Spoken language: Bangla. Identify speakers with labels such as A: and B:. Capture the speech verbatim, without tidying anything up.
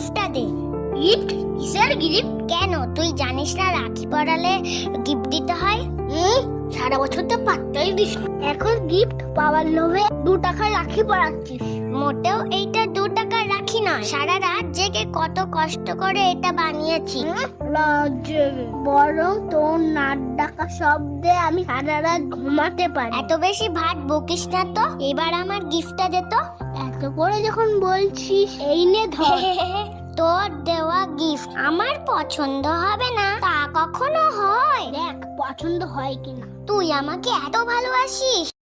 A: গিফটটা দে। গিফট? কিসের গিফট? কেন তুই জানিস না রাখি পরালে গিফট দিতে হয়? হুম, সারা বছর তো পাত্তাই দিস না, এখন গিফট পাওয়ার লোভে দু টাকার রাখি পরাচ্ছিস। মোটেও এইটা দু টাকার রাখি নয়, সারা রাত জেগে কত কষ্ট করে এটা বানিয়েছি। বরং তোর নাক ডাকা শব্দে আমি সারা রাত ঘুমাতে পারি। এত বেশি ভাট বকিস না তো, এবার আমার গিফটটা দে তো। এত করে যখন বলছিস এই নে ধর। তোর দেওয়া গিফট আমার পছন্দ হবে না তা কখনো হয়? দেখ পছন্দ হয় কিনা। তুই আমাকে এত ভালোবাসিস